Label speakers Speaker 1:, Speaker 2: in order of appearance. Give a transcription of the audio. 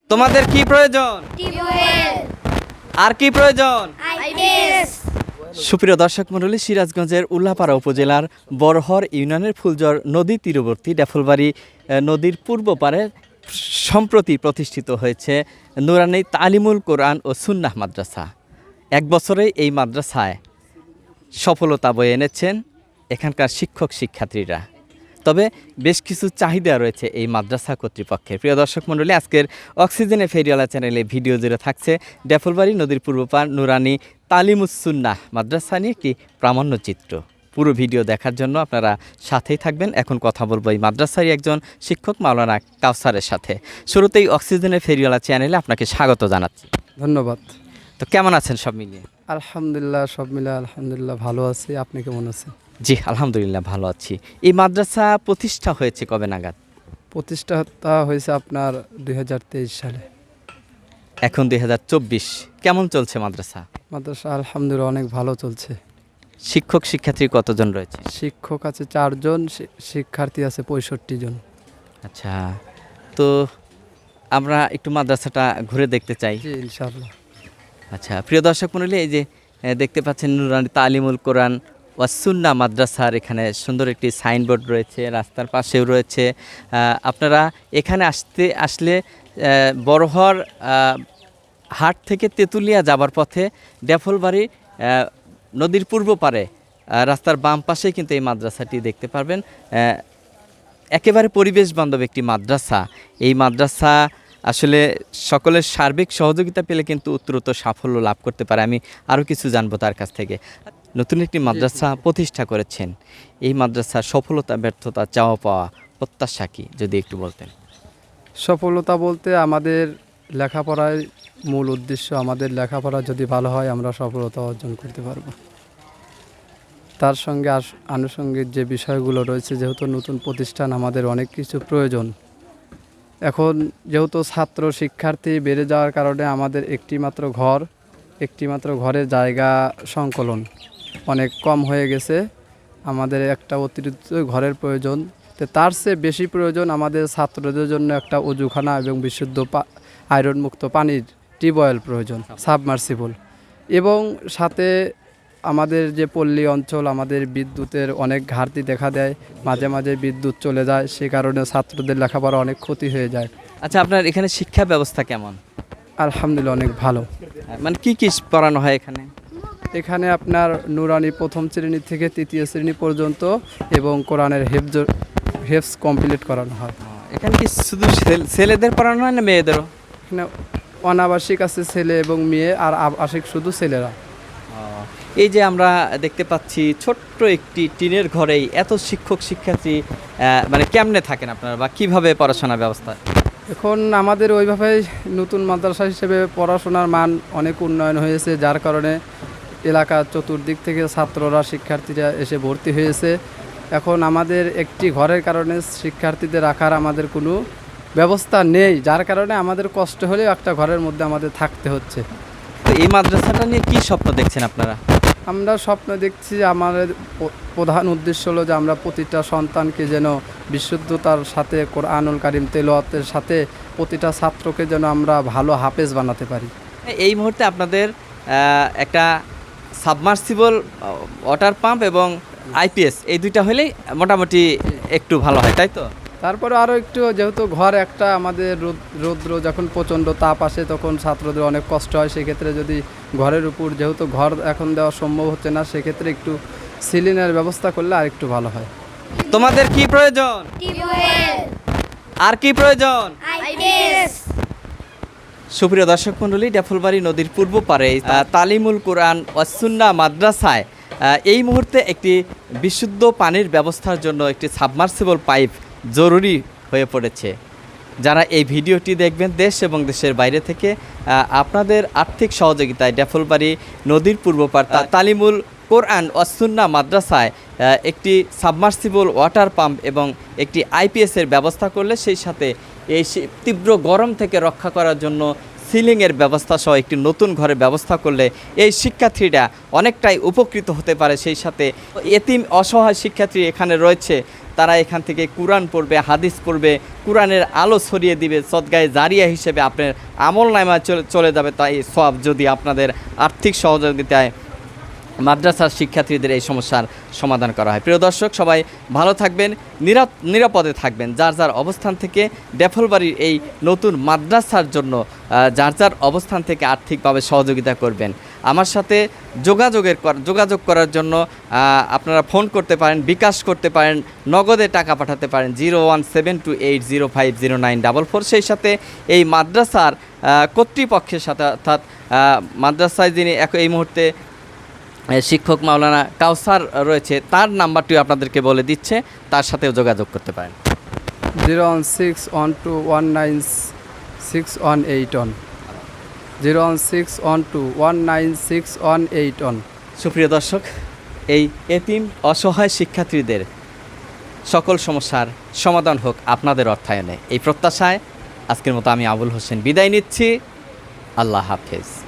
Speaker 1: তোমাদের কি প্রয়োজন?
Speaker 2: টিউবওয়েল,
Speaker 1: আর কি প্রয়োজন?
Speaker 2: আইপিএস।
Speaker 1: সুপ্রিয় দর্শক মণ্ডলী, সিরাজগঞ্জের উল্লাপাড়া উপজেলার বড়হর ইউনিয়নের ফুলজর নদী তীরবর্তী ডেফলবাড়ি নদীর পূর্ব পারে সম্প্রতি প্রতিষ্ঠিত হয়েছে নুরানি তালিমুল কোরআন ও সুন্নাহ মাদ্রাসা। এক বছরে এই মাদ্রাসায় সফলতা বয়ে এনেছেন এখানকার শিক্ষক শিক্ষার্থীরা। তবে বেশ কিছু চাহিদা রয়েছে এই মাদ্রাসা কর্তৃপক্ষের। প্রিয় দর্শক মণ্ডলী, আজকের অক্সিজেনে ফেরিওয়ালা চ্যানেলে ভিডিও জুড়ে থাকছে ডেফলবাড়ি নদীর পূর্বপার নুরানি তালিমুস সুন্নাহ মাদ্রাসা নিয়ে একটি প্রামাণ্যচিত্র। পুরো ভিডিও দেখার জন্য আপনারা সাথেই থাকবেন। এখন কথা বলবো এই মাদ্রাসারই একজন শিক্ষক মাওলানা কাউসারের সাথে। শুরুতেই অক্সিজেনে ফেরিওয়ালা চ্যানেলে আপনাকে স্বাগত জানাচ্ছি।
Speaker 3: ধন্যবাদ।
Speaker 1: তো কেমন আছেন সব মিলিয়ে?
Speaker 3: আলহামদুলিল্লাহ, সব মিলে আলহামদুলিল্লাহ ভালো আছি। আপনি কেমন আছেন?
Speaker 1: জি আলহামদুলিল্লাহ ভালো আছি। এই মাদ্রাসা প্রতিষ্ঠা হয়েছে কবে নাগাদ?
Speaker 3: প্রতিষ্ঠাতা হয়েছে আপনার 2023 সালে।
Speaker 1: এখন 2024। কেমন চলছে মাদ্রাসা?
Speaker 3: মাদ্রাসা আলহামদুলিল্লাহ অনেক ভালো চলছে।
Speaker 1: শিক্ষক শিক্ষার্থী কতজন রয়েছে?
Speaker 3: শিক্ষক আছে 4 জন, শিক্ষার্থী আছে 65 জন।
Speaker 1: আচ্ছা, তো আমরা একটু মাদ্রাসাটা ঘুরে দেখতে চাই।
Speaker 3: জি ইনশাআল্লাহ।
Speaker 1: আচ্ছা, প্রিয় দর্শক মণ্ডলী, এই যে দেখতে পাচ্ছেন নুরানি তালিমুল কোরআন ওয়াস সুন্নাহ মাদ্রাসার এখানে সুন্দর একটি সাইনবোর্ড রয়েছে, রাস্তার পাশেও রয়েছে। আপনারা এখানে আসলে বড়হর হাট থেকে তেঁতুলিয়া যাবার পথে ডেফলবাড়ি নদীর পূর্ব পারে রাস্তার বাম পাশেই কিন্তু এই মাদ্রাসাটি দেখতে পারবেন। একেবারে পরিবেশ বান্ধব একটি মাদ্রাসা। এই মাদ্রাসা আসলে সকলের সার্বিক সহযোগিতা পেলে কিন্তু উত্তরোত্তর সাফল্য লাভ করতে পারে। আমি আরও কিছু জানবো তার কাছ থেকে। নতুন একটি মাদ্রাসা প্রতিষ্ঠা করেছেন, এই মাদ্রাসার সফলতা ব্যর্থতা চাওয়া পাওয়া প্রত্যাশা কি যদি একটু বলতেন?
Speaker 3: সফলতা বলতে আমাদের লেখাপড়ায় মূল উদ্দেশ্য, আমাদের লেখাপড়া যদি ভালো হয় আমরা সফলতা অর্জন করতে পারবো। তার সঙ্গে আনুষঙ্গিক যে বিষয়গুলো রয়েছে, যেহেতু নতুন প্রতিষ্ঠান আমাদের অনেক কিছু প্রয়োজন। এখন যেহেতু ছাত্র শিক্ষার্থী বেড়ে যাওয়ার কারণে আমাদের একটিমাত্র ঘরের জায়গা সংকলন অনেক কম হয়ে গেছে। আমাদের একটা অতিরিক্ত ঘরের প্রয়োজন। তো তার চেয়ে বেশি প্রয়োজন আমাদের ছাত্রদের জন্য একটা অজুখানা এবং বিশুদ্ধ আয়রনমুক্ত পানির টিউবওয়েল প্রয়োজন, সাবমার্সিবল। এবং সাথে আমাদের যে পল্লী অঞ্চল, আমাদের বিদ্যুতের অনেক ঘাটতি দেখা দেয়, মাঝে মাঝে বিদ্যুৎ চলে যায়, সে কারণে ছাত্রদের লেখাপড়া অনেক ক্ষতি হয়ে যায়।
Speaker 1: আচ্ছা, আপনার এখানে শিক্ষা ব্যবস্থা কেমন?
Speaker 3: আলহামদুলিল্লাহ অনেক ভালো।
Speaker 1: মানে কি কি পড়ানো হয় এখানে?
Speaker 3: এখানে আপনার নুরানি প্রথম শ্রেণী থেকে 3য় শ্রেণী পর্যন্ত এবং কোরআনের হেফজ কমপ্লিট করানো হয়।
Speaker 1: এখানে কি শুধু ছেলেদের পড়ানো হয় না মেয়েদেরও?
Speaker 3: এখানে অনাবাসিক আছে ছেলে এবং মেয়ে, আর আবাসিক শুধু ছেলেরা।
Speaker 1: এই যে আমরা দেখতে পাচ্ছি ছোট্ট একটি টিনের ঘরেই এত শিক্ষক শিক্ষার্থী, মানে কেমনে থাকেন আপনারা বা কিভাবে পড়াশোনার ব্যবস্থা?
Speaker 3: এখন আমাদের ওইভাবে নতুন মাদ্রাসা হিসেবে পড়াশোনার মান অনেক উন্নয়ন হয়েছে, যার কারণে এলাকার চতুর্দিক থেকে ছাত্ররা শিক্ষার্থীরা এসে ভর্তি হয়েছে। এখন আমাদের একটি ঘরের কারণে শিক্ষার্থীদের রাখার আমাদের কোনো ব্যবস্থা নেই, যার কারণে আমাদের কষ্ট হলেও একটা ঘরের মধ্যে আমাদের থাকতে হচ্ছে।
Speaker 1: তো এই মাদ্রাসাটা নিয়ে কি স্বপ্ন দেখছেন আপনারা?
Speaker 3: আমরা স্বপ্ন দেখছি, আমাদের প্রধান উদ্দেশ্য হলো যে আমরা প্রতিটা সন্তানকে যেন বিশুদ্ধতার সাথে কোরআনুল কারীম তেলাওয়াতের সাথে প্রতিটা ছাত্রকে যেন আমরা ভালো হাফেজ বানাতে পারি।
Speaker 1: এই মুহূর্তে আপনাদের একটা সাবমার্সিবল ওয়াটার পাম্প এবং আইপিএস এই দুইটা হলেই মোটামুটি একটু ভালো হয়, তাই তো?
Speaker 3: তারপরে আরও একটু, যেহেতু ঘর একটা আমাদের রৌদ্র যখন প্রচণ্ড তাপ আসে তখন ছাত্রদের অনেক কষ্ট হয়, সেক্ষেত্রে যদি ঘরের উপর, যেহেতু ঘর এখন দেওয়া সম্ভব হচ্ছে না, সেক্ষেত্রে একটু সিলিংয়ের ব্যবস্থা করলে আর একটু ভালো হয়।
Speaker 1: তোমাদের কি প্রয়োজন?
Speaker 2: টিউবওয়েল,
Speaker 1: আর কি প্রয়োজন?
Speaker 2: আইপিএস।
Speaker 1: সুপ্রিয় দর্শক মণ্ডলী, ডেফলবাড়ি নদীর পূর্ব পারে তালিমুল কোরআন ওয়াস সুন্নাহ মাদ্রাসায় এই মুহূর্তে একটি বিশুদ্ধ পানির ব্যবস্থার জন্য একটি সাবমার্সিবল পাইপ জরুরি হয়ে পড়েছে। যারা এই ভিডিওটি দেখবেন দেশ এবং দেশের বাইরে থেকে, আপনাদের আর্থিক সহযোগিতায় ডেফলবাড়ি নদীর পূর্ব পার তালিমুল কোরআন ওয়াস সুন্নাহ মাদ্রাসায় একটি সাবমার্সিবল ওয়াটার পাম্প এবং একটি আইপিএসের ব্যবস্থা করলে, সেই সাথে এই তীব্র গরম থেকে রক্ষা করার জন্য সিলিংয়ের ব্যবস্থা সহ একটি নতুন ঘরের ব্যবস্থা করলে এই শিক্ষার্থীরা অনেকটাই উপকৃত হতে পারে। সেই সাথে এতিম অসহায় শিক্ষার্থী এখানে রয়েছে, তারা এখান থেকে কুরআন পড়বে, হাদিস পড়বে, কুরআনের আলো ছড়িয়ে দিবে, সদগায়ে জারিয়া হিসেবে আপনার আমল নামায় চলে যাবে। তাই সব যদি আপনাদের আর্থিক সহযোগিতায় মাদ্রাসার শিক্ষার্থীদের এই সমস্যার সমাধান করা হয়। প্রিয় দর্শক, সবাই ভালো থাকবেন, নিরাপদে থাকবেন। যার যার অবস্থান থেকে ডেফলবাড়ির এই নতুন মাদ্রাসার জন্য যার যার অবস্থান থেকে আর্থিকভাবে সহযোগিতা করবেন। আমার সাথে যোগাযোগ করার জন্য আপনারা ফোন করতে পারেন, বিকাশ করতে পারেন, নগদে টাকা পাঠাতে পারেন 01728050944। সেই সাথে এই মাদ্রাসার কর্তৃপক্ষের সাথে অর্থাৎ মাদ্রাসায় যিনি এই মুহূর্তে শিক্ষক মাওলানা কাউসার রয়েছে, তার নাম্বারটিও আপনাদেরকে বলে দিচ্ছে, তার সাথেও যোগাযোগ করতে পারেন।
Speaker 3: 01612196181 01612196181।
Speaker 1: সুপ্রিয় দর্শক, এই এতিম অসহায় শিক্ষার্থীদের সকল সমস্যার সমাধান হোক আপনাদের অর্থায়নে, এই প্রত্যাশায় আজকের মতো আমি আবুল হোসেন বিদায় নিচ্ছি। আল্লাহ হাফেজ।